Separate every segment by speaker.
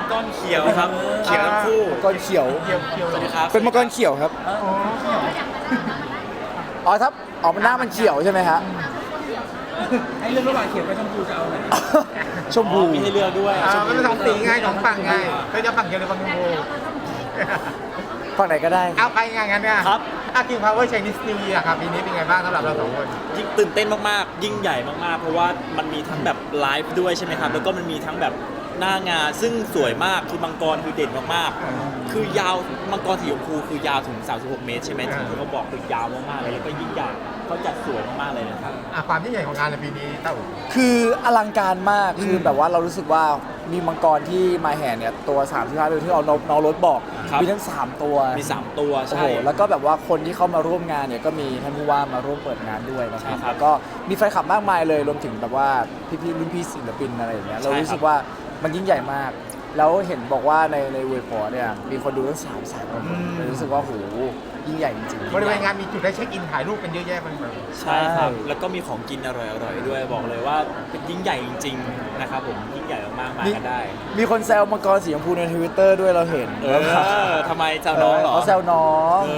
Speaker 1: กรเขียวครับเขียวทั้งคู่
Speaker 2: มังกรเขียว
Speaker 1: สวัสดีครับ
Speaker 2: เป็นมังกรเขียวครับอ๋อครับอ๋อมันหน้ามันเขียวใช่ไหมฮะ
Speaker 3: ไอ้เรื่องระหว่างเขียวกับชมพูจะเอาอะไร
Speaker 2: ชมพู
Speaker 1: มีให้เลือกด้วย
Speaker 4: มันเป็นสองสีไงสองฝั่งไงก็จะฝั่งเดียวหรือฝั่งชมพู
Speaker 2: ฝั่งไหนก็ได้
Speaker 4: เอาไปไงงั้นเนี่ยครับKing Power Chinese New Year ครับปีนี้เป็นไงบ้างสำหรับเราสองคน
Speaker 1: ยิ่งตื่นเต้นมากๆยิ่งใหญ่มากๆเพราะว่ามันมีทั้งแบบไลฟ์ด้วยใช่ไหมครับแล้วก็มันมีทั้งแบบหน้างานซึ่งสวยมากคือมังกรคือเด่นมากๆคือยาวมังกรสีชมพูคือยาวถึง36เมตรใช่ไหมที่เขาบอกคือยาวมากๆเลยแล้วก็ยิ่งใหญ่เขาจัดสวยมากๆเลยนะครับ
Speaker 4: ความยิ่งใหญ่ของงานในปีนี้เต้า
Speaker 2: คืออลังการมากคือแบบว่าเรารู้สึกว่ามีมังกรที่มาแห่เนี่ยตัว35ตัวที่เราน้องรถบอก
Speaker 1: ครับ
Speaker 2: มีทั้ง3ตัว
Speaker 1: มี3ตัว
Speaker 2: โอ้โห
Speaker 1: ใช่
Speaker 2: แล้วก็แบบว่าคนที่เข้ามาร่วมงานเนี่ยก็มีท่านผู้ว่ามาร่วมเปิดงานด้วยนะค
Speaker 1: ใช่
Speaker 2: รับ
Speaker 1: ครับ
Speaker 2: แล้วก็มีแฟนคลับมากมายเลยรวมถึงแบบว่าพี่ๆรุ่นพี่ศิลปินอะไรอย่างเงี้ยเรา
Speaker 1: ใช่ครับ
Speaker 2: รู้สึกว่ามันยิ่งใหญ่มาก แล้วเห็นบอกว่าในเว็บพอเนี่ยมีคนดูตั้ง3 แสนคนเลยรู้สึกว่าโหยิ่งใหญ่จริงๆ
Speaker 4: บริเวณงานมีจุดให้เช็คอินถ่ายรูปกันเยอะแยะมากมาย
Speaker 1: ใช่ครับแล้วก็มีของกินอร่อยๆด้วยบอกเลยว่าเป็นยิ่งใหญ่จริงๆนะครับผมยิ่งใหญ่มากๆมากันได้
Speaker 2: มีคนแซวมังกรสีชมพูในทวิตเตอร์ด้วยเราเห็น
Speaker 1: ทำไมแซวน้องเหรอ
Speaker 2: เขาแซวน้อง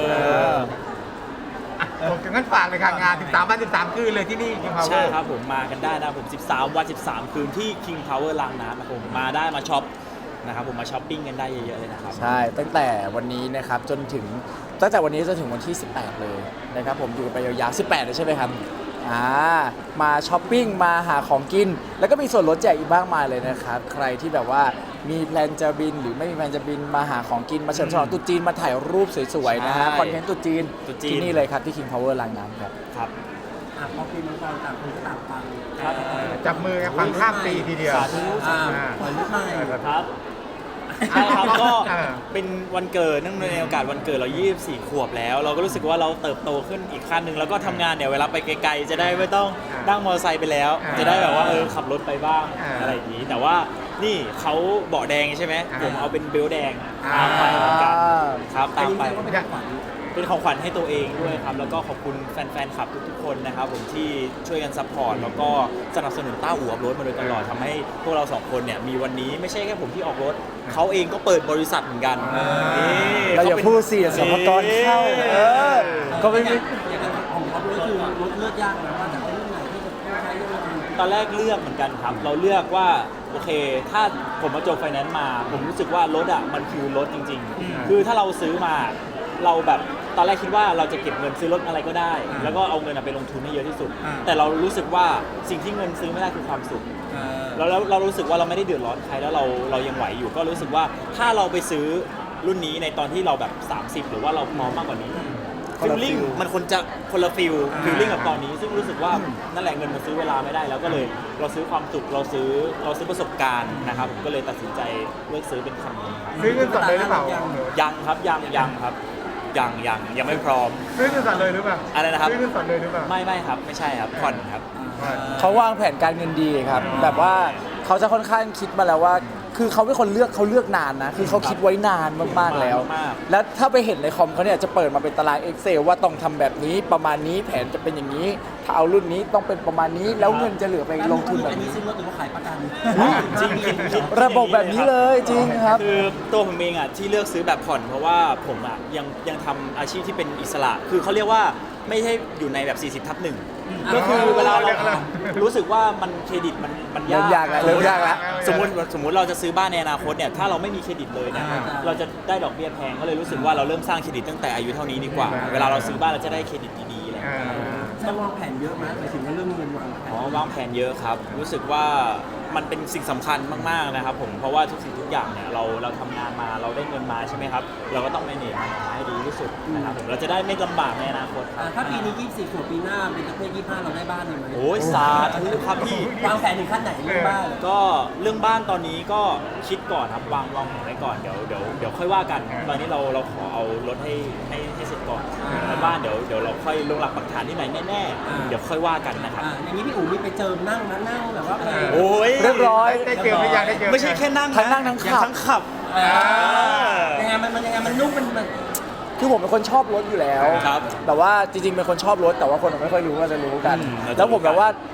Speaker 4: โอเคงั้นฝากเลยค่ะงาน13 วัน 13 คืนเลยที่นี่ King Power
Speaker 1: ใช่ครับผมมากันได้นะผม 13 วัน 13 คืนที่ King Power ลางน้ำนะครับผมมาได้มาช็อปนะครับผมมาช้อปปิ้งกันได้เยอะๆเลยนะครับ
Speaker 2: ใช่ตั้งแต่วันนี้นะครับจนถึงตั้งแต่วันนี้จนถึงวันที่ 18 เลยนะครับผมอยู่กันไปยาวๆ18เลยใช่ไหมครับมาช้อปปิ้งมาหาของกิน แล้วก็มีส่วนลดแจกอีกมากมายเลยนะครับใครที่แบบว่ามีแพลนจะบินหรือไม่มีแพลนจะบินมาหาของกินมาเฉลิมฉลองตรุ๊จีนมาถ่ายรูปสวยๆนะฮะ
Speaker 1: ใช่
Speaker 2: คอนเทนต์ตรุ๊จีน
Speaker 1: ตรุษจีน
Speaker 2: ที่นี่เลยครับที่ King Power ลางน้ำครับ
Speaker 1: ครับ
Speaker 3: พอปีมังกรต่างคนก็ต่างฟัง
Speaker 1: ครับ
Speaker 4: จับมือกันฟังข้ามปีทีเดียว
Speaker 1: สาธุ
Speaker 3: ปล่อยลูกใหม่
Speaker 1: ครับใช่ครับก็
Speaker 4: อ่า
Speaker 1: เป็นวันเกิดเนื่องในโอกาสวันเกิดเรา24 ขวบแล้ว เราก็รู้สึกว่าเราเติบโตขึ้นอีกขั้นหนึ่งแล้วก็ทำงานเนี่ยเวลาไปไกลๆจะได้ไม่ต้องนั่งมอเตอร์ไซค์ไปแล้ว จะได้แบบว่าขับรถไปบ้างอะไรอย่างนี้ แต่ว่านี่เขาเบาะแดงใช่ไหมผมเอาเป็นเบลต์แดงตามไปเหมือนกันครับตามไป
Speaker 3: อันนี้แสดงว่าเป็นของขวัญ
Speaker 1: เป็นของขวัญให้ตัวเองด้วยครับ แล้วก็ขอบคุณแฟนๆคลับทุกๆคนนะครับผมที่ช่วยกันซัพพอร์ตแล้วก็สนับสนุนต้าอู่อัพรถมาโดยตลอดทำให้พวกเราสองคนเนี่ยมีวันนี้ไม่ใช่แค่ผมที่ออกรถเขาเองก็เปิดบริษัทเหมือนกันนี่
Speaker 2: เราอย่าพูดสิสมกรเข้าก็ไม่มี
Speaker 3: อย่างของเขาก็คือรถเลือกยากนะว่าจะเป็นรุ่นไหนที่จะใช้ยังไง
Speaker 1: ตอนแรกเลือกเหมือนกันครับ เราเลือกว่าโอเค ถ้าผมมาจบไฟแนนซ์มา ผมรู้สึกว่ารถอ่ะมันคือรถจริง ๆ คือถ้าเราซื้อมาเราแบบตอนแรกคิดว่าเราจะเก็บเงินซื้อรถอะไรก็ได้ แล้วก็เอาเงินไปลงทุนให้เยอะที่สุด แต่เรารู้สึกว่าสิ่งที่เงินซื้อไม่ได้คือความสุข แล้วเรารู้สึกว่าเราไม่ได้เดือดร้อนใครแล้วเรายังไหวอยู่ก็รู้สึกว่าถ้าเราไปซื้อรุ่นนี้ในตอนที่เราแบบ 30 หรือว่าเราพร้อมมากกว่านี้
Speaker 2: คนละ
Speaker 1: ฟีลลิ่ง
Speaker 2: feel
Speaker 1: มันคนจะคนละฟิลลิ่งกับตอนนี้ ซึ่งรู้สึกว่านั่นแหละเงินมันซื้อเวลาไม่ได้แล้วก็เลยเราซื้อความสุขเราซื้อประสบการณ์นะครับผมก็เลยตัดสินใจเลือกซื้อเป็นคันนี้ครับ
Speaker 4: ซื้อเงินสดเลยหรือเปล่า
Speaker 1: ยังครับยังครับยังไม่พร้อม
Speaker 4: ซื้อเงินสดเลยหรือเปล่า
Speaker 1: อะไรนะครับ
Speaker 4: ซื้อเงินสดเลยหรือเปล่า
Speaker 1: ไม่ครับไม่ใช่ครับผ่อนครับ
Speaker 2: เขาวางแผนการเงินดีครับ แบบว่าเขาจะค่อนข้างคิดมาแล้วว่า คือเขาเป็นคนเลือกนานนะ คือเขาคิดไว้นานมากๆแล้ว
Speaker 1: มาก
Speaker 2: แล้วถ้าไปเห็นในคอมเขาเนี่ยจะเปิดมาเป็นตาราง Excel ว่าต้องทำแบบนี้ประมาณนี้แผนจะเป็นอย่างนี้ ถ้าเอารุ่นนี้ต้องเป็นประมาณนี้ แล้วเงินจะเหลือไปลงทุนแบบ
Speaker 3: อันนี้
Speaker 2: นี้
Speaker 3: ซื้อรถหรือว่าขายประกัน
Speaker 1: จริงคิด
Speaker 2: ระบบแบบนี้เลยจริงครับ
Speaker 1: คือตัวผมเองอ่ะที่เลือกซื้อแบบผ่อนเพราะว่าผมอ่ะยังทำอาชีพที่เป็นอิสระ คือเขาเรียกว่าไม่ใช่อยู่ในแบบ40/1ก็คือเวลาเรารู้สึกว่ามันเครดิตมัน
Speaker 2: เริ่มยากแล้วเริ่มยากแล้ว
Speaker 1: สมมติเราจะซื้อบ้านในอนาคตเนี่ยถ้าเราไม่มีเครดิตเลยเนี่ยเราจะได้ดอกเบี้ยแพงก็เลยรู้สึกว่าเราเริ่มสร้างเครดิตตั้งแต่อายุเท่านี้ดีกว่า เวลาเราซื้อบ้านเราจะได้เครดิตดีๆอะไรอย่างเงี้ย
Speaker 3: จะวางแผนเยอะไหมหมายถึงว่าเรื่องเงินวางแผน
Speaker 1: อ๋อวางแผนเยอะครับ รู้สึกว่ามันเป็นสิ่งสำคัญมากๆนะครับผมเพราะว่าทุกสิ่งทุกอย่างเนี่ยเราทำงานมาเราได้เงินมาใช่ไหมครับเราก็ต้อง manage มันออกมาให้ดีที่สุดนะครับผมเราจะได้ไม่ลำบากในอนาคตครับ
Speaker 3: ถ้าปีนี้24ขวบปีหน้าเป็นเพศ25เราได้บ้านเลยไหม
Speaker 1: โอ้ยสาธุครับพี่
Speaker 3: วางแผนถึงขั้นไหนเรื่องบ้าน
Speaker 1: ก็เรื่องบ้านตอนนี้ก็คิดก่อนครับวางแผนไว้ก่อนเดี๋ยวค่อยว่ากัน ตอนนี้เราขอเอารถให้เสร็จก่อนแล้วบ้านเดี๋ยวเราค่อยลงหลักปักฐานที่ไหนแน่ๆเดี๋ยวค่อยว่ากันนะครับ
Speaker 3: อย่างนี้พี่อู๋มีไปเจิมนั่งแบบว่าไป
Speaker 1: โอ้ย
Speaker 2: เรียบร้อย
Speaker 4: ได้เจอหรือยังได้เจอ
Speaker 1: ไม่ใช่แค่นั่ง
Speaker 2: ทั้งนั่งทั้งขับ
Speaker 1: ยังทั้งขับ
Speaker 3: ยังไงมันนุ่มมัน
Speaker 2: คือผมเป็นคนชอบรถอยู่แล้ว
Speaker 1: ครับ
Speaker 2: แต่ว่าจริงๆเป็นคนชอบรถแต่ว่าคนไม่ค่อยรู้ก็จะรู้กัน
Speaker 1: เราจะ
Speaker 2: แล้วผมแบบว่า ค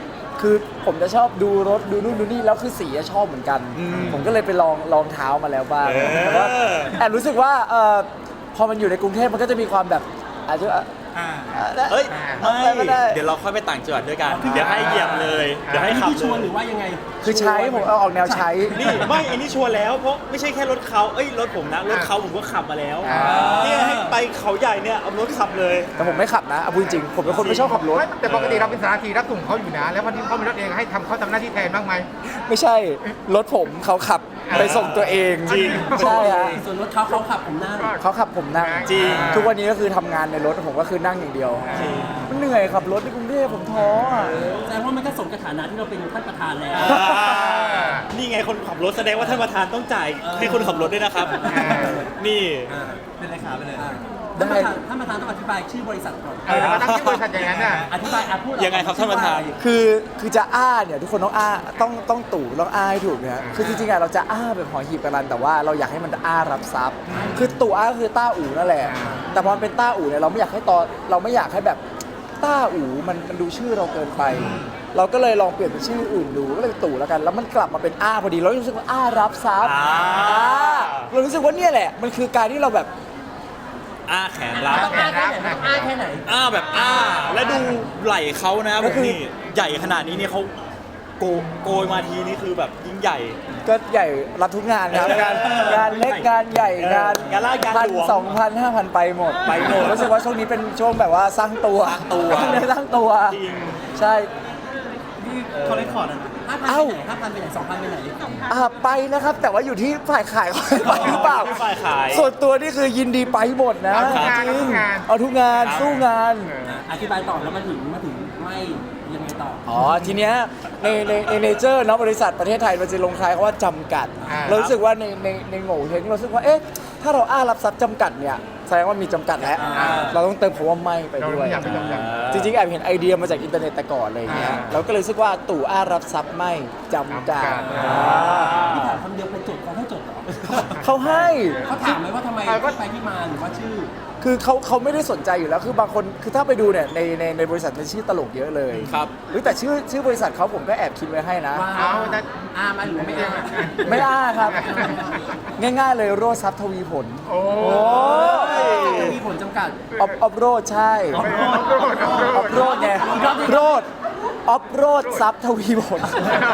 Speaker 2: คือผมจะชอบดูรถดูนู่นดูนี่แล้วคือสีอะชอบเหมือนกัน ผมก็เลยไปลองเท้ามาแล้วบ้างแต่ว่าแอบรู้สึกว่าพอมันอยู่ในกรุงเทพมันก็จะมีความแบบอาจจะ
Speaker 1: เฮ้ย
Speaker 2: อะไรก็ได้
Speaker 1: เดี๋ยวเราค่อยไปต่างจังหวัดด้วยกัน เดี๋ยวให้เหยียบเลย เดี๋ยวให้ขับ
Speaker 3: ที่ชวนห
Speaker 1: เล
Speaker 3: รื
Speaker 1: ย
Speaker 3: อว่ายังไง
Speaker 2: คือใช้ผมเอาออกแนวใช้
Speaker 1: นี่ไม่อันนี้ชวนแล้วเพราะไม่ใช่แค่รถเขารถผมนะรถเขาผมก็ขับมาแล้ว
Speaker 2: อ่า
Speaker 1: เนี่ยให้ไปเขาใหญ่เนี่ยเอารถขับเลย
Speaker 2: แต่ผมไม่ขับนะเอาพูดจริงๆผมเป็นคนไม่ชอบขับรถ
Speaker 4: ไม่แต่ปกติเราเป็นสารทีรับส่งเขาอยู่นะ แล้ววันนี้เขามีรถเองให้เขาทำหน้าที่แทนบ้างไหม
Speaker 2: ไม่ใช่รถผมเขาขับไปส่งตัวเอง
Speaker 1: จริง
Speaker 2: ใช่ฮะ
Speaker 3: ส่วนรถเขาขับผมนั่ง
Speaker 2: เขาขับผมนั่ง
Speaker 1: จริง
Speaker 2: ทุกวันนี้ก็คือทำงานในรถผมก็คือนั่งอย่างเดียวมันเหนื่อยขับรถในกรุงเทพผมท้ออ่ะ
Speaker 3: แสดงว่ามันก็สมกับฐานะที่เราเป็นท่านประธานแล้ว
Speaker 1: นี่ไงคนขับรถแสดงว่าท่านประธานต้องจ่ายให้คนขับรถด้วยนะครับ นี่
Speaker 3: เป็นเลขาไปเลย
Speaker 2: ได้
Speaker 3: ท่านประธานต้องอธิบายชื่อบริษัทก่อน
Speaker 4: แล้วมาตั้งที่บริษัทอย่างนั้นน่ะ
Speaker 3: อธิบายพูด
Speaker 1: ยังไงครับท่านประธาน
Speaker 2: คือจะอ้าเนี่ยทุกคนต้องอ้าต้องตู่ต้องอ้าให้ถูกนะคือจริงๆอะเราจะอ้าแบบหอหีบกันแต่ว่าเราอยากให้มันอ้ารับทรัพย์ คือตู่อ้าก็คือต้าอู่นั่นแหละ แต่พอมันเป็นต้าอู่เนี่ยเราไม่อยากให้เราไม่อยากให้แบบต้าอู่มันดูชื่อเราเกินไป เราก็เลยลองเปลี่ยนเป็นชื่ออื่นดูก็เลยเป็นตู่แล้วกัน แล้วมันกลับมาเป็นอ้าพอดีเรารู้สึกว่าอ้ารับทรัพย์
Speaker 1: อ่า
Speaker 2: เรารู้สึกว่าเนี่ยแหละมันคือการที่เราแบบ
Speaker 1: อ้าแขนรับ
Speaker 3: ต้องอ้าแค่ไหนต้องอ้าแค่ไหน
Speaker 1: อ้าแบบอ้า และดูไหล่เขานะผมนี่ใหญ่ขนาดนี้เนี่ยเขาโกยมาทีนี่คือแบบยิ่งใหญ่
Speaker 2: ก็ใหญ่รับทุกงานครับงานเล็กงานใหญ่งาน
Speaker 1: งานลาดงานหลวง
Speaker 2: 1,000 2,000 5,000 ไปหมดรู้สึกว่าช่วงนี้เป็นช่วงแบบว่าสร้างตัวสร้างตัว
Speaker 1: จริง
Speaker 2: ใช่
Speaker 3: เขาเลยขอดอ่ะ5,000ไปไหน2,000ไปไหน
Speaker 2: ไปนะครับ แต่ว่าอยู่ที่ฝ่ายขายเขาให้ไปหรือเปล่า
Speaker 1: ที่ฝ่ายขาย
Speaker 2: ส่วนตัวนี่คือยินดีไปหมดนะ
Speaker 4: เอาทุกงาน
Speaker 2: จริ
Speaker 4: เอาทุกงาน
Speaker 2: เอาทุกงานสู้งาน
Speaker 3: อธิบายต่อแล้วมาถึงไม่ยังไงต่อ
Speaker 2: อ๋อทีเนี้ยในเนเจอร์เนาะบริษัทประเทศไทยมันจะลงท้ายคำว่าจำกัด เรารู้สึกว่าในโง่เฮงเรารู้สึกว่าเอ๊ะถ้าเราอ้ารับทรัพย์จำกัดเนี่ยแสดงว่ามีจำกัดแล้ว เราต้องเติมคำว่าไม่ไป
Speaker 4: เรา
Speaker 2: ด้วย
Speaker 4: อยากไปจำกัด
Speaker 2: จริงๆแอบเห็นไอเดียมาจากอินเทอร์เน็ตแต่ก่อนอะไรอย่างเงี้ยเราก็เลยรู้สึกว่าตู่อ้ารับทรัพย์ไม่จำกัด
Speaker 3: พี่ถามคำเดียวไปจดเขาให้จดเหรอ
Speaker 2: เขาให้
Speaker 3: เขาถามไหมว่าทำไมไปที่มาหรือว่าชื่อ
Speaker 2: คือเขาไม่ได้สนใจอยู่แล้วคือบางคนคือถ้าไปดูเนี่ยในบริษัทเป็นชื่อตลกเยอะเลย
Speaker 1: ครับ
Speaker 2: แต่ชื่อบริษัทเขาผมก็แอบคิดไว้ให้นะ
Speaker 3: ว่า
Speaker 4: เอาแต่
Speaker 3: อามาหรือไม่อา
Speaker 2: ไม่อ้าครับ ง่ายๆเลยโรดทรัพย์ทวีผล
Speaker 4: โอ้
Speaker 2: โอ้ย
Speaker 3: จะมีผลจำกัด
Speaker 2: ออฟโรดใช่ออฟโรดไงโรดออฟโรดทรัพย์ทวีผล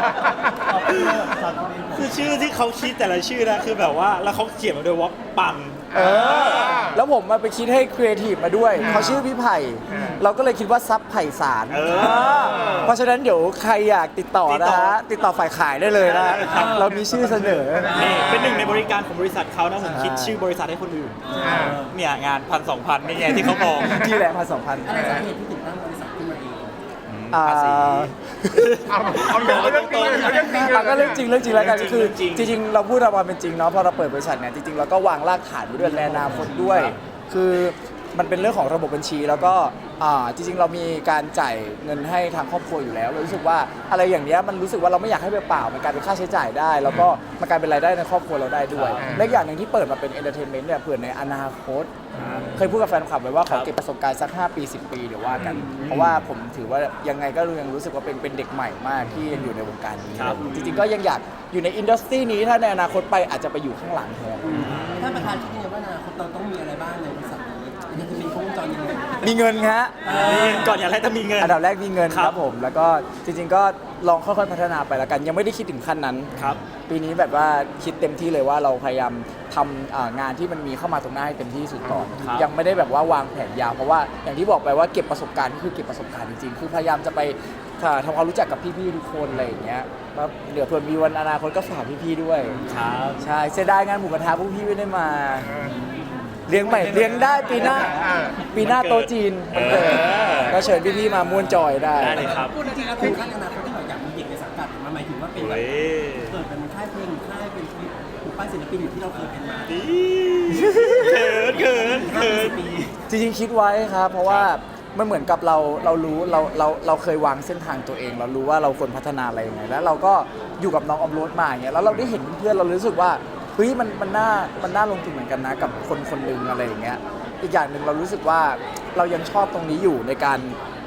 Speaker 1: คือชื่อที่เขาคิดแต่ละชื่อนะคือแบบว่าแล้วเขาเขียนมาด้วยว่าปัง
Speaker 2: แล้วผมมาไปคิดให้ครีเอทีฟมาด้วยเขาชื่อพี่ไผ่เราก็เลยคิดว่าซับไผ่สาร เพราะฉะนั้นเดี๋ยวใครอยากติดต่อนะฮะติดต่อฝ่ายขายได้เลยนะเรามีชื่อเสนอ
Speaker 1: นี่เป็นหนึ่งในบริการของบริษัทเขานะผมคิดชื่อบริษัทให้คนอื่น เนี่ยงาน1,000-2,000นี่ไงที่เขาบอก
Speaker 2: ที่แหละ1,000-2,000
Speaker 3: อะไรสาเหตุที่ถึงตั้งบริษัทขึ้นมาเอง
Speaker 1: ภาษี
Speaker 4: เอาเรื่องจริงเลยเอาเรื่องจริงเลย
Speaker 2: ก็เรื่องจริงแล้วกันคือ
Speaker 1: เรื่องจริง
Speaker 2: จริงๆเราพูดเรามาเป็นจริงเนาะพอเราเปิดบริษัทเนี่ยจริงๆเราก็วางรากฐานไว้ด้วยในอนาคตด้วย คือมันเป็นเรื่องของระบบบัญชีแล้วก็จริงๆเรามีการจ่ายเงินให้ทางครอบครัวอยู่แล้วเรารู้สึกว่าอะไรอย่างเนี้ยมันรู้สึกว่าเราไม่อยากให้เปล่าๆมันกลายเป็นค่าใช้จ่ายได้ แล้วก็มันกลายเป็นรายได้ในครอบครัวเราได้ด้วยและอีกอย่างหนึ่งที่เปิดมาเป็นเอนเตอร์เทนเมนต์เนี่ยเผื่อในอนาคต เคยพูดกับแฟนคลับไว้ว่าขอเก็บประสบการณ์สัก5 ปี 10 ปีเดี๋ยวว่ากัน เพราะว่าผมถือว่ายังไงก็ยังรู้สึกว่าเป็นเด็กใหม่มากที่ยังอยู่ในวงการนี้
Speaker 1: ครับ
Speaker 2: จริงๆก็ยังอยากอยู่ในอินดัสทรีนี้ถ้าในอนาคตไปอาจจะไปอยู่ข้างหลังแทน
Speaker 3: ท่านประธานคิดยังไงว่าอนาคตเราต้องมีอะไรบ้างในบริษัทนี้มันจะมีครบวงจรยังไง
Speaker 2: มีเงินฮะ
Speaker 1: มีเงินก่อนอย่างแรกต้องมีเงิน
Speaker 2: อันดับแรกมีเงิน
Speaker 1: ค
Speaker 2: ค
Speaker 1: รั
Speaker 2: รับ บผม แล้วก็จริงๆก็ลองค่อยๆพัฒนาไปแล้วกัน ยังไม่ได้คิดถึงขั้นนั้น
Speaker 1: ครับ
Speaker 2: ปีนี้แบบว่าคิดเต็มที่เลยว่าเราพยายามทำงานที่มันมีเข้ามาตรงหน้าให้เต็มที่สุดก่อน
Speaker 1: ครับ
Speaker 2: ยังไม่ได้แบบว่าวางแผนยาวเพราะว่าอย่างที่บอกไปว่าเก็บประสบการณ์ก็คือเก็บประสบการณ์จริงๆ คือพยายามจะไปทำความรู้จักกับพี่ๆทุกคนอะไรอย่างเงี้ยแล้วเดี๋ยวเผื่อมีวันอนาคตก็ฝากพี่ๆด้วย
Speaker 1: ครับ
Speaker 2: ใช่เสียดายงานหมูกระทะพวกพี่ไม่ได้มาเลี้ยงใหม่เลี้ยงได้ปีหน้าโต๊ะจีนวันเกิดก็เชิญพี่ๆมาม่วนจอยได้
Speaker 1: ได้เลยครับ
Speaker 3: พูดจริงๆแล้วคือขั้นอนาคตที่เราอยากมีเด็กในสังกัดมันหมายถึงว่าเป็นแบ
Speaker 1: เฮ้
Speaker 3: บ
Speaker 1: ย
Speaker 3: เกิดเป็นค่ายเพลงหรือค่ายเป็นปลูกปั้นศิลปินอย่างที่เราเคยเป็นมา
Speaker 1: ดีเขิน
Speaker 3: 50 ปี
Speaker 2: จริงๆคิดไว้ครับ เพราะว่ามันเหมือนกับเรารู้เราเคยวางเส้นทางตัวเอง เรารู้ว่าเราควรพัฒนาอะไรยังไงแล้วเราก็อยู่กับน้องออมโรดมาอย่างเงี้ยแล้วเราได้เห็นเพื่อนๆเรารู้สึกว่าเฮ้ยมันน่าลงทุนเหมือนกันนะกับคนหนึ่งอะไรอย่างเงี้ยอีกอย่างหนึ่งเรารู้สึกว่าเรายังชอบตรงนี้อยู่ในการ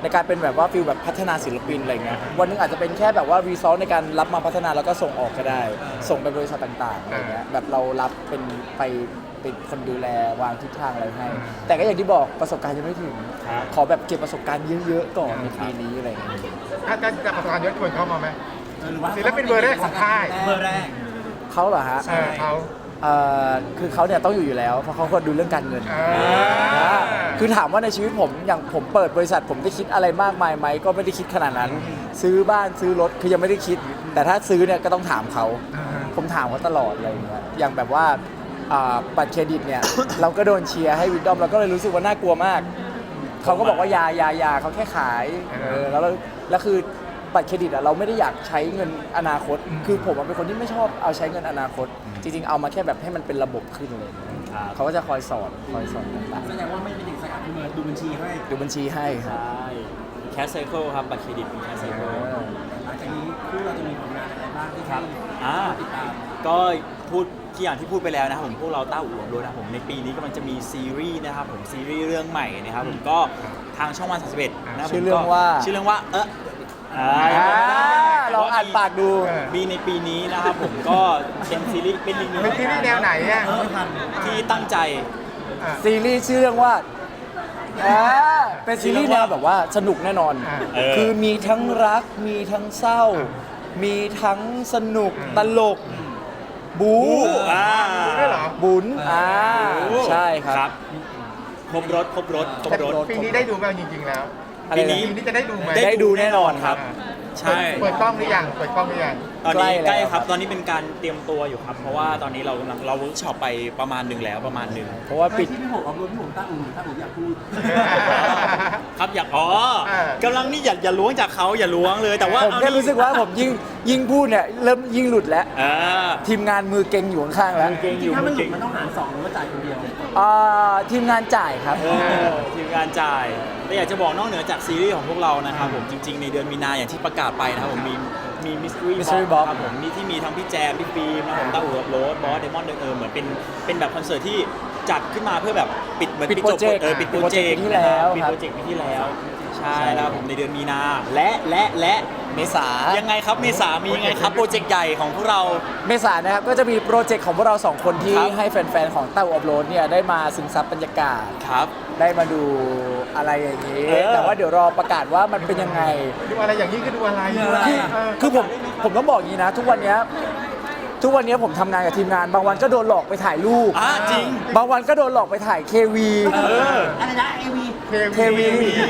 Speaker 2: ในการเป็นแบบว่าฟิลแบบพัฒนาศิลปินอะไรเงี้ยวันหนึงอาจจะเป็นแค่แบบว่ารีซอสในการรับมาพัฒนาแล้วก็ส่งออกก็ได้ ส่งไปบริษัทต่างๆอะไรเงี้ยแบบเรารับเป็นไปเป็นคนดูแลวางทิศทางอะไรให้ แต่ก็อย่างที่บอกประสบการณ์ยังไม่ถึง
Speaker 1: ครับ
Speaker 2: ขอแบบเก็บประสบการณ์เยอะๆก่อนในปีนี้อะไรเงี้ย
Speaker 4: ถ้าจะประสบการณ์เยอะชวนเขามาไหม
Speaker 3: หรือว่า
Speaker 4: ศิลปินเบอร์แรกของค่าย
Speaker 3: เบอร์แรก
Speaker 2: เขาเหรอฮะ
Speaker 4: เขา
Speaker 2: คือเขาเนี่ยต้องอยู่แล้วเพราะเขาคนดูเรื่องการเงิน คือถามว่าในชีวิตผมอย่างผมเปิดบริษัทผมได้คิดอะไรมากมายไหมก็ไม่ได้คิดขนาดนั้น ซื้อบ้านซื้อรถคือยังไม่ได้คิด แต่ถ้าซื้อเนี่ยก็ต้องถามเขา ผมถามเขาตลอดอะไรอย่างเงี้ยอย่างแบบว่าบัตรเครดิตเนี่ย เราก็โดนเชียร์ให้วิดดอมเราก็เลยรู้สึกว่าน่ากลัวมาก เขาก็บอกว่ายาเขาแค่ขายแล้วคือบัตรเครดิตอะเราไม่ได้อยากใช้เงินอนาคต คือผมเป็นคนที่ไม่ชอบเอาใช้เงินอนาคต จริงๆเอามาแค่แบบให้มันเป็นระบบขึ้นเลย
Speaker 1: ครับ
Speaker 2: เขาก็จะคอยสอนต่าง
Speaker 3: แสดงว่าไม่เป็นเด็กสกัดพี่เบิร์ดดูบัญชีให้
Speaker 2: ๆดูบัญชีให้ค
Speaker 1: ใช
Speaker 2: รับ
Speaker 1: ่แคสไซเคิลครับบัตรเครดิตเป็นแคสไซเคิล
Speaker 3: หลังจากนี้คู่เราจะมีผลงานอะไรบ้างที่ให้
Speaker 1: อ่า
Speaker 3: ติดตาม
Speaker 1: ก็พูดที่อย่างที่พูดไปแล้วนะครับผมพวกเราต้าอู่รถนะครับผมในปีนี้กำลังจะมีซีรีส์นะครับผมซีรีส์เรื่องใหม่นะครับผมก็ทางช่องวัน31นะครับผม
Speaker 2: ชื่อเรื่องว่า
Speaker 1: ชื่อเรื่องว่า
Speaker 2: ลองอ่านปากดู
Speaker 1: มีในปีนี้นะครับผมก็เป็นซีรีส์เป็นอีกหนึ่ง
Speaker 4: เป็นซีรีส์แนวไหนอ่ะ
Speaker 1: ที่ตั้งใจ
Speaker 2: ซีรีส์ชื่อเรื่องว่าเป็นซีรีส์แนวแบบว่าสนุกแน่นอน คือมีทั้งรัก มีทั้งเศร้า มีทั้งสนุกตลก บู๊
Speaker 4: ด้วยเหรอ
Speaker 2: บุญใช่ครับ
Speaker 1: ครบรถ
Speaker 4: แต่ปีนี้ได้ดูไหมจริงๆแล้ว
Speaker 2: อะไร
Speaker 1: ปี
Speaker 2: นะ
Speaker 1: นี้
Speaker 4: ปีนี้จะได้ดูไหม
Speaker 2: ได้ดูแน่นอนครับ
Speaker 1: ใช่
Speaker 4: เปิดกล้องหรือยังเปิดกล้องหรือยัง
Speaker 1: ตอนนี้
Speaker 2: ใกล้แล้ว
Speaker 1: ใกล้ครับ ตอนนี้เป็นการเตรียมตัวอยู่ครับ เพราะว่าตอนนี้เรากำลังเราเวิร์กช็อปไปประมาณหนึ่งแล้วประมาณหนึ่ง
Speaker 2: เพราะว่าปิด
Speaker 3: ที่พี่ผมเอารถพี่ผมต้าอู่อยากพูด
Speaker 1: ครับอยากกำลังนี่อย่าล้วงจากเขาอย่าล้วงเลย แต่ว่า
Speaker 2: ผมแค่รู้สึกว่าผมยิ่งพูดเนี่ยเริ่มยิ่งหลุดแล้ว
Speaker 1: อ่า
Speaker 2: ทีมงานมือเก่งอยู่ข้างๆแล้ว
Speaker 1: เก่งอยู่
Speaker 3: ถ้ามันหลุ
Speaker 1: เก่
Speaker 3: ด
Speaker 1: ง
Speaker 3: มันต้องหารสองหรือว่าจ่ายคนเดียว
Speaker 2: ทีมงานจ่ายครับ
Speaker 1: ทีมงานจ่ายแต่อยากจะบอกนอกเหนือจากซีรีส์ของพวกเรานะครับผมจริง ๆ ในเดือนมีนาอย่างที่ประกาศไปนะครับผมมีมิส
Speaker 2: Mystery
Speaker 1: ทรี
Speaker 2: Box
Speaker 1: ครับผมมีที่มีทั้งพี่แจมพี่ฟิล์มนะครับผมต้าอู่กับโรสบอสเดมอนเหมือนเป็นแบบคอนเสิร์ตที่จัดขึ้นมาเพื่อแบบปิดเหมือน
Speaker 2: ปิด
Speaker 1: จบ
Speaker 2: โปรเจกต์
Speaker 1: ปิดโปรเจกต์
Speaker 2: ปีที่แล้ว
Speaker 1: ปิด
Speaker 2: ครับ
Speaker 1: โปรเจกต์ปีที่แล้วใช่แล้วผมในเดือนมีนาและ
Speaker 2: เมษา
Speaker 1: ยังไงครับเมษามียังไงครับโปรเจกต์ใหญ่ของพวกเรา
Speaker 2: เมษายนนะครับก็จะมีโปรเจกต์ของพวกเราสองคนที่
Speaker 1: ครับ
Speaker 2: ให้แฟนๆของเต้าอัพโหลดเนี่ยได้มาซึมซับบรรยากาศ
Speaker 1: ครับ
Speaker 2: ได้มาดูอะไรอย่างนี้ แต่ว่าเดี๋ยวรอประกาศว่ามันเป็นยังไง
Speaker 4: ดูอะไรอย่างนี้คือดูอะไร
Speaker 2: คือผมต้องบอกอย่างนี้นะ ทุกวันเนี้ยผมทำงานกับทีมงาน บางวันก็โดนหลอกไปถ่ายรูป
Speaker 1: จริง
Speaker 2: บางวันก็โดนหลอกไปถ่ายเควี
Speaker 3: อะไรนะ AV
Speaker 2: เควี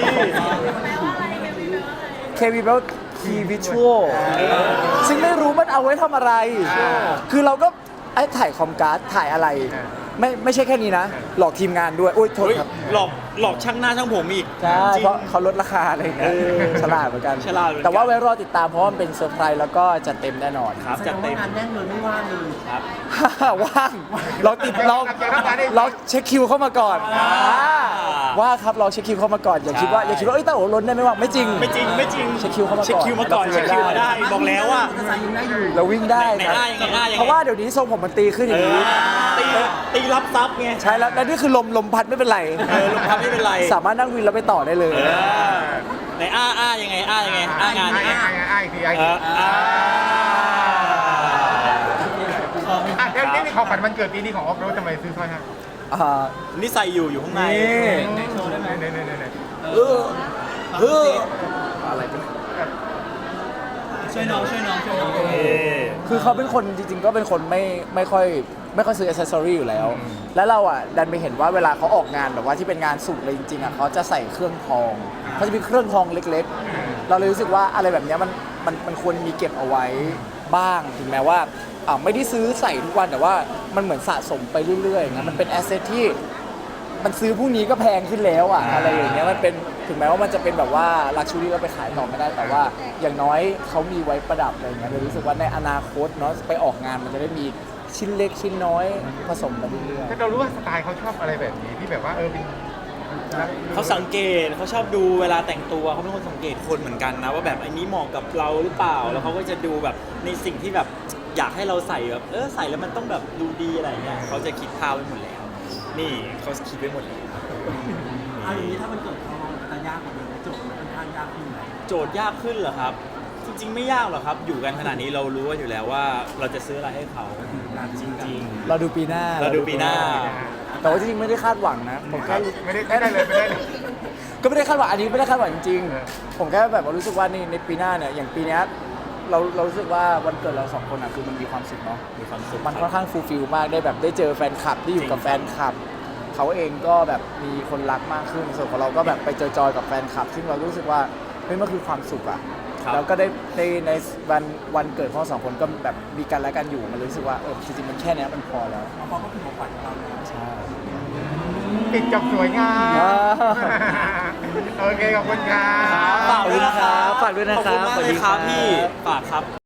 Speaker 2: แปลว่าคีวิชวลซึ่งไม่รู้มันเอาไว้ทำอะไร คือเราก็ถ่ายคอมการ์ดถ่ายอะไร ไม่ใช่แค่นี้นะ หลอกทีมงานด้วย โอ้ยโทษ
Speaker 1: เฮ้ย
Speaker 2: ครับ
Speaker 1: หลอกช่างหน้าช่างผมอีก
Speaker 2: ใช่
Speaker 1: จริง
Speaker 2: เพราะเขาลดราคาอะไรอย่างเงี้ยฉลาดเหมือนกัน
Speaker 1: ฉลาดเหมือนกัน
Speaker 2: แต่ว่าไว้รอติดตามเพราะว่ามันเป็นเซอร์ไพรส์แล้วก็จะเต็มแน่นอน
Speaker 1: ครับ
Speaker 3: แสด
Speaker 1: จัด
Speaker 3: ง
Speaker 1: เต็
Speaker 3: ว่าม งานแน่นเลยไม่ว่างเลย
Speaker 1: ครับ
Speaker 2: ว่างเราเช็คคิวเข้ามาก่อนว่าครับเราเช็คคิวเข้ามาก่อนอย่าคิดว่าเอ้ยเต้าโอ๋ล้นได้ไม่ว่างไม่จริง
Speaker 1: ไม่จริง
Speaker 2: เช็คคิวเข้ามาก่อน
Speaker 1: เช็คคิวมาก่อนเช็คคิวมาได้บอกแล้วว่า
Speaker 3: ภาษายิงได้อยู่
Speaker 2: เราวิ่งได้
Speaker 1: ไหน
Speaker 2: ครับ
Speaker 1: อ้ายยังไงอ้ายยังไง
Speaker 2: เพราะว่าเดี๋ยวนี้ทรงผมมันตีขึ้นอย่างนี้
Speaker 1: ตีรับซับไง
Speaker 2: ใช่แล้วและนี่คือลมพัดไม่เป็นไร
Speaker 1: ลงพับไม่เป็นไร
Speaker 2: สามารถนั่งวินแล้วไปต่อได้เลย
Speaker 1: ไหนอ้ายังไงยังไงงานยังไง
Speaker 4: ไอ้คือไอ้ แล้วนี่ของขวัญวันเกิดปีนี้ของออฟโรดทำไมซื้อสร้อยให้
Speaker 1: นี่ใส่อยู่ข้างใน
Speaker 2: นี่
Speaker 3: โชว์ได้ไหม
Speaker 4: เนี่ย
Speaker 2: อะไรเป็น
Speaker 3: ช่วยน้อง
Speaker 2: คือเขาเป็นคนจริงๆก็เป็นคนไม่ค่อยซื้ออิสเซอรี่อยู่แล้ว แล้วเราอ่ะดันไปเห็นว่าเวลาเขาออกงานแบบว่าที่เป็นงานสุดเลยจริงๆอ่ะเขาจะใส่เครื่องทองเขาจะมีเครื่องทองเล็กๆ เราเลยรู้สึกว่าอะไรแบบเนี้ยมันควรมีเก็บเอาไว้บ้างถึงแม้ว่าไม่ได้ซื้อใส่ทุกวันแต่ว่ามันเหมือนสะสมไปเรื่อยๆนะมันเป็นแอสเซทที่มันซื้อพรุ่งนี้ก็แพงขึ้นแล้วอ่ะอะไรอย่างเงี้ยมันเป็นถึงแม้ว่ามันจะเป็นแบบว่าลักชัวรี่ก็ไปขายต่อไม่ได้แต่ว่าอย่างน้อยเขามีไว้ประดับอะไรเงี้ยเลยรู้สึกว่าในอนาคตเนาะไปออกงานมันจะได้มีชิ้นเล็กชิ้นน้อยผสมกันเรื่อย
Speaker 4: ถ้าเรารู้ว่าสไตล์เขาชอบอะไรแบบนี้ที่แบบว่าเป็น
Speaker 1: เขาสังเกตเขาชอบดูเวลาแต่งตัวเขาเป็นคนสังเกตคนเหมือนกันนะว่าแบบอันนี้เหมาะกับเราหรือเปล่าแล้วเขาก็จะดูแบบในสิ่งที่แบบอยากให้เราใส่แบบใส่แล้วมันต้องแบบดูดีอะไรเงี้ยเขาจะคิดภาพไว้หมดแล้วนี่เขาคิดไว้หมดแล้ว
Speaker 3: เอาอย่างนี้ถ้ามันเกิดเขาจะยากกว่าเดิมโจทย์มันค่อนข้างยากขึ้นไหม
Speaker 1: โจทย์ยากขึ้นเหรอครับ จริง ๆ ไม่ยากหรอกครับ อยู่กันขนาดนี้เรารู้กันอยู่แล้วว่าเราจะซื้ออะไรให้เขาจริง
Speaker 2: เราดูปีหน้า
Speaker 1: เราดูปีหน้า
Speaker 2: แต่ว่าจริงๆไม่ได้คาดหวังนะผมแค่
Speaker 4: ไม่ได้เลยไม่ได้เลย
Speaker 2: ก็ไม่ได้คาดหวังอันนี้ไม่ได้คาดหวังจริง
Speaker 4: เออ
Speaker 2: ๆผมแค่แบบว่ารู้สึกว่าในปีหน้าเนี่ยอย่างปีเนี้ยเรารู้สึกว่าวันเกิดเราสองคนอ่ะคือมันมีความสุขเนาะ
Speaker 1: มีความสุข
Speaker 2: มันค่อนข้างฟูลฟิลมากได้แบบได้เจอแฟนคลับที่อยู่กับแฟนคลับเขาเองก็แบบมีคนรักมากขึ้นส่วนของเราก็แบบไปจอยๆกับแฟนคลับ ซึ่งเรารู้สึกว่าเฮ้ยมันคือความสุขอะ
Speaker 1: ครับ
Speaker 2: แล้วก็ได้ในวันเกิดของเราสองคนก็แบบมีกันและกันอยู่มันรู้สึกว่าจริงๆมันแค่เนี้ยมันพอแล้ว
Speaker 3: เพราะก็คือของขวัญของเราแล้ว
Speaker 2: ใช่
Speaker 4: ปิดจบสวยงาม
Speaker 2: อ่า
Speaker 4: โอเคขอบคุณครับ
Speaker 1: ฝากด้วยนะครับ
Speaker 2: ฝากด้วยนะครับ
Speaker 1: ขอบคุณมากเลยครับ
Speaker 2: สวัสดีครับ
Speaker 1: พี่ฝากครับ